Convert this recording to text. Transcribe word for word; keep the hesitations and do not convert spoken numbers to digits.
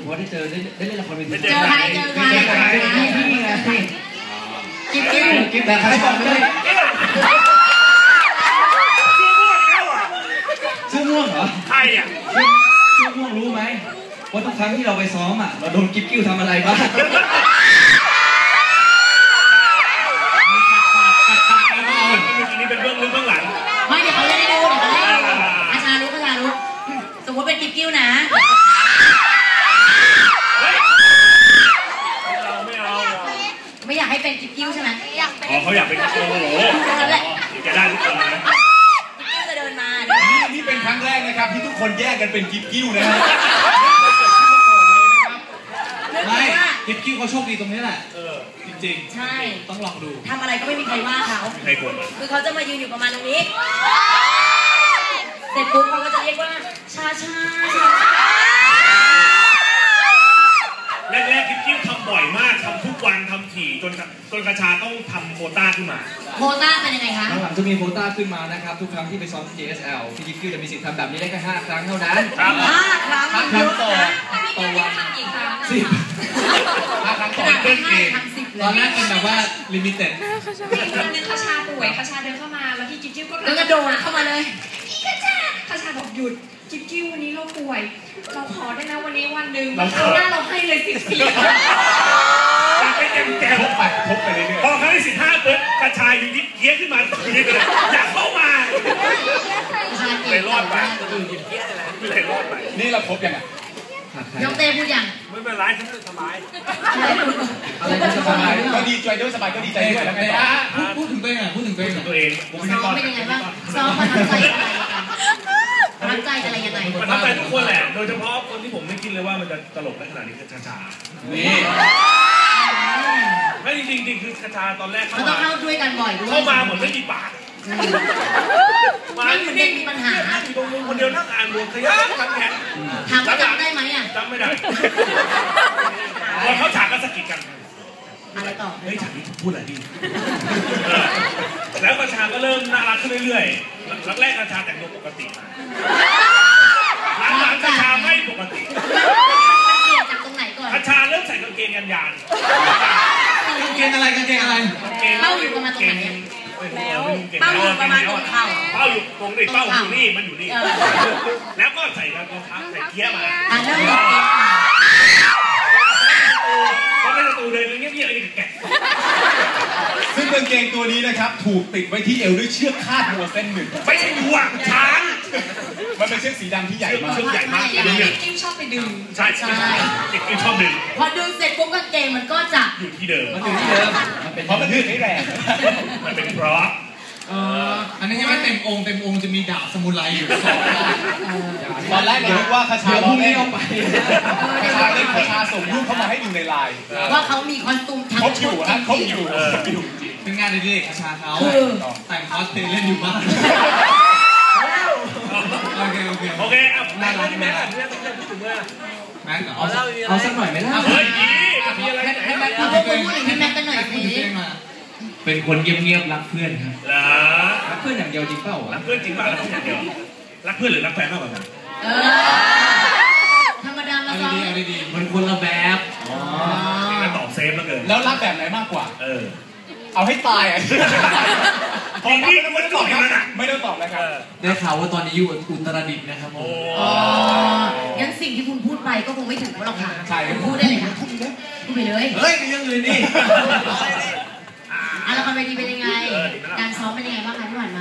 ราะว่าได้เจอได้ได้เล่นละครเวทีเจอใครเจอใครนี่ไงสิกิ๊บกิ๊บกิ๊บแต่ใครบอกเลยชื่อม่วงเหรอใครอ่ะชื่อม่วงรู้ไหมว่าทุกครั้งที่เราไปซ้อมอ่ะเราโดนกิ๊บกิ้วทำอะไรบ้างอันนี้เป็นเบื้องลึกเบื้องหลังไม่เดี๋ยวเขาเล่นให้ดูเดี๋ยวเขาเล่นให้ดูอาชารู้อาชารู้สมมติเป็นกิ๊บกิ้วนะไม่เอาไม่อยากให้เป็นกิ๊บกิ้วใช่ไหมอ๋อเขาอยากเป็นโอ้โหจะได้ทุกคนนะกิ๊บกิ้วจะเดินมานี่นี่เป็นครั้งแรกนะครับที่ทุกคนแยกกันเป็นกิ๊บกิ้วนะฮะไม่กิ๊บกิ้วเขาโชคดีตรงนี้แหละจริงๆใช่ต้องลองดูทำอะไรก็ไม่มีใครว่าเขาคือเขาจะมายืนอยู่ประมาณตรงนี้เสร็จปุ๊บเขาก็จะเรียกว่าชาชาแรกๆกิ๊บกิ้วทำบ่อยมากทำทุกวันทำถี่จนจนกระชาต้องทำโควต้าขึ้นมาโควต้าเป็นยังไงคะหลังจะมีโควต้าขึ้นมานะครับทุกครั้งที่ไปซ้อม เจ เอส แอล พี่กิ๊บกิ้วจะมีสิทธิ์ทำแบบนี้ได้แค่ห้าครั้งเท่านั้นห้าครั้งห้าครั้งต่อต่อวันสิบห้าครั้งต่อเล่นเกมตอนแรกเป็นแบบว่าลิมิเต็ดวันนึงคาชาป่วยคาชาเดินเข้ามาแล้วที่จิ๊บจิ๊บก็กระโดดเข้ามาเลยอีคาชาคาชาบอกหยุดจิ๊บจิ๊บวันนี้เราป่วยเราขอได้นะวันนี้วันหนึ่งคราวหน้าเราให้เลยสิบสี่ไปเต็มแก้วไปทบไปเรื่อยๆพอครั้งที่สิบห้าเปิดกระชายอยู่ที่เกี้ยขึ้นมาตรงนี้เลยอยากเข้ามาเลยรอดไปเลยรอดไปนี่เราพบยังไงน้องเต้พูดยังไม่เป็นไรฉันสบายอะไรก็สบายก็ดีใจด้วยสบายก็ดีใจด้วยแล้วไงพูดถึงตัวเองอ่ะพูดถึงตัวเองตัวเองซ้อมเป็นยังไงบ้างซ้อมประทับใจอะไรประทับใจอะไรยังไงประทับใจทุกคนแหละโดยเฉพาะคนที่ผมไม่คิดเลยว่ามันจะตลกได้ขนาดนี้คือชาชานี่ไม่จริงจริงคือชาชาตอนแรกเขาต้องเข้าด้วยกันบ่อยด้วยเข้ามาเหมือนไม่มีปากมาเหมือนมีปัญหาอยู่ตรงมุมคนเดียวนั่งอ่านบทขยันขันแข็งถามว่าจำได้ไหมอ่ะจำไม่ได้พอเขาฉากก็สะกิดกันอะไรต่อเฮ้ยฉากนี้พูดอะไรดีแล้วกระชาก็เริ่มน่ารักขึ้นเรื่อยๆแรกๆกระชาแต่งตัวปกติหลังๆกระชาไม่ปกติเปลี่ยนจากตรงไหนก่อนกระชาเริ่มใส่กางเกงยันยานกางเกงอะไรกางเกงอะไรเป้าอยู่ประมาณตรงไหนแล้วเป้าอยู่ประมาณตรงเข่าเป้าอยู่ตรงนี้เป้าอยู่นี่มันอยู่นี่แล้วก็ใส่รองเท้าใส่เกียร์มาอ่ะเริ่มเขาเป็นประตูเดินเงียบๆอะไรแกะซึ่งกางเกงตัวนี้นะครับถูกติดไว้ที่เอวด้วยเชือกคาดวัวเส้นหนึ่งไม่ใช่วัวช้างมันเป็นเชือกสีดำที่ใหญ่มากเชือกใหญ่มากที่กิ๊บชอบไปดึงใช่ใช่กิ๊บชอบดึงพอดึงเสร็จปุ๊บกางเกงมันก็จะอยู่ที่เดิมมันอยู่ที่เดิมเพราะมันยืดไม่แรงมันเป็นเพราะอันนี้ยังไม่เต็มองค์เต็มองค์จะมีดาบสมุไรอยู่สองตอนแรกนึกว่าคาชาล้อเล่นเอาไปคาชาเล่นคาชาส่งรูปเข้ามาให้ดูในไลน์ว่าเขามีคอสตูมทั้งครบอยู่ฮะครบอยู่เป็นงานเด็กๆคาชาเขาแต่งคอสเพลย์เล่นอยู่บ้านโอเคโอเคโอเคอ่ะแม่แม่แม่ต้องพูดถึงว่าแม็กเอาเอาสักหน่อยไหมล่ะเฮ้ยมีอะไรให้แม็กพูดถึงให้แม็กกันหน่อยสิเป็นคนเงียบๆรักเพื่อนครับเหรอรักเพื่อนอย่างเดียวจริงเปล่ารักเพื่อนจริงเปล่ารักเพื่อนอย่างเดียวรักเพื่อนหรือรักแฟนมากกว่ากันเออธรรมดามาซ้อมเอาดีๆมันคนละแบบอ๋อนี่ตอบเซฟแล้วเกินแล้วรักแบบไหนมากกว่าเออเอาให้ตายอ่ะพอพี่ไม่ต้องตอบแล้วนะไม่ต้องตอบนะครับได้ข่าวว่าตอนนี้อยู่อุตรดิตถ์นะครับผมอ๋องั้นสิ่งที่คุณพูดไปก็คงไม่ถึงหรอกค่ะใช่พูดได้เลยค่ะพูดไปเลยเฮ้ยมีอย่างอื่นนี่อ่ะละครเวทีเป็นยังไงการซ้อมเป็นยังไงบ้างคะที่ผ่านมา